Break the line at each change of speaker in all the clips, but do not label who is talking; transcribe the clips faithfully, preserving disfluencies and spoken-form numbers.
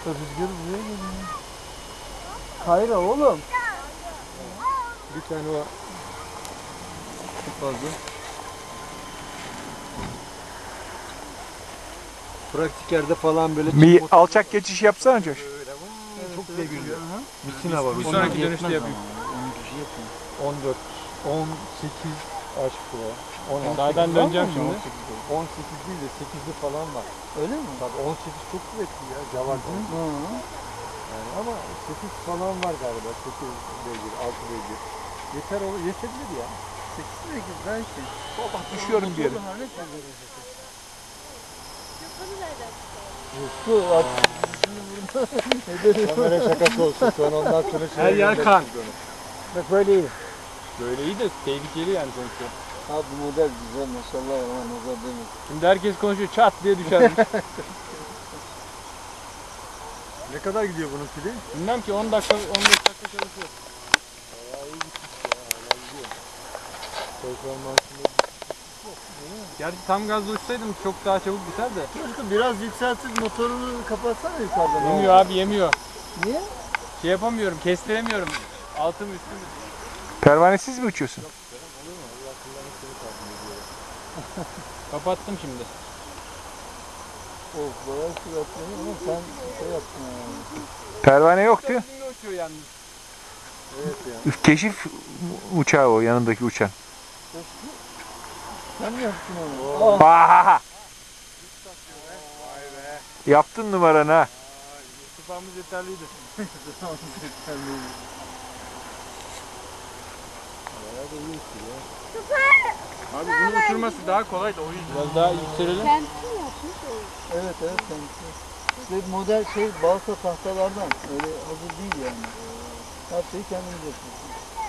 rüzgarı buraya geliyor. Kayra oğlum.
Bir tane var. Çok fazla. Pratik yerde falan böyle
Bir alçak geçiş yapsana Coş.
çok güzel görünüyor. Misina var.
Bir
Onlar
sonraki
yetmez
dönüşte
ama.
yapayım.
on kişi yetmez. on dört, on sekiz aşk bu. on altı.
Zaten döneceğim şimdi.
on sekiz değil de sekizli falan var. Öyle mi? Tabii on sekiz çok kuvvetli ya. Cavar. Yani ama sekiz falan var galiba. sekiz beygir, altı beygir. Yeter olur, yetebilir ya.
sekiz sekiz belki.
Bak düşüyorum bir yere.
Su at. Kamera şakası olsun. Sonra ondan sonra şey.
Her yer kan.
Bak böyle iyi.
Böyle iyi de tehlikeli yani sonuçta.
Ha bu model güzel maşallah ya. Nazar değil mi?
Şimdi herkes konuşuyor, çat diye düşermiş.
Ne kadar gidiyor bunun pili?
Bilmem ki on dakika, on beş dakika çalışıyor.
Bayağı iyi gitmiş ya. Hala gidiyor. Performansında
Gerçi tam gazla uçsaydım çok daha çabuk biter de.
biraz yükseltip motorunu kapatsana yukarıdan.
Yemiyor abi, yemiyor.
Niye?
Şey yapamıyorum, kestiremiyorum. Altım üstüm.
Pervanesiz mi uçuyorsun?
Kapattım şimdi.
Of bayağı süratli ama sen şey yaptın yani.
Pervane yok diyor.
Üstümde uçuyor yalnız.
Evet ya.
Keşif uçağı o, yanındaki uçan.
Sen mi yaptın onu? Oh.
Vahaha!
Vay be.
Yaptın numaranı ha.
Sıfamız yeterliydi.
Bayağı da iyi uçuyor.
Abi bunun uçurması daha kolay da o yüzden. Biraz daha yükselelim.
Kendisi mi yapmış o?
Evet evet kendisi. İşte model şey balsa tahtalardan öyle hazır değil yani. Her şeyi kendimiz yapıyoruz.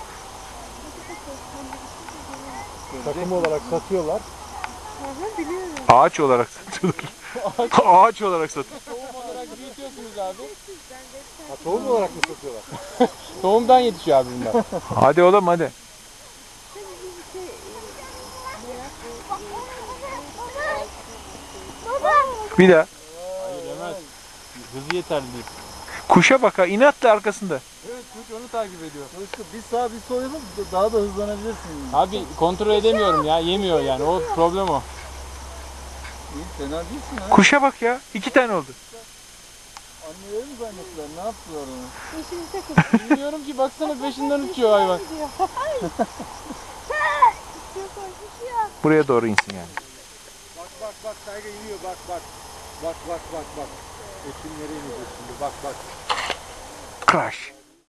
Takım olarak satıyorlar.
Hı hı, biliyorum.
Ağaç olarak satıyorlar. Ağaç olarak satıyorlar.
Tohum olarak büyütüyorsunuz abi.
Ha, tohum olarak mı satıyorlar?
Tohumdan yetişiyor abi bunlar.
Hadi oğlum hadi. Bir daha.
Hayır yemez. Hızı yeterli değil.
Kuşa bak ha, inatla arkasında.
Evet, kuş onu takip ediyor.
İşte bir sağ bir sol yapıp daha da hızlanabilirsin. Yani.
Abi kontrol edemiyorum ya, yemiyor yani, o problem o.
İyi, fena değilsin ha.
Kuşa bak ya. iki tane oldu.
Anneleri mi zannettiler? Ne yaptılar onu?
Peşimize koşuyor.
Bilmiyorum ki, baksana peşinden uçuyor hayvan.
Buraya doğru insin yani.
Bak bak bak Tayga iniyor bak bak. Bak bak bak bak. Ekim nereye inecek şimdi bak bak.
Crash.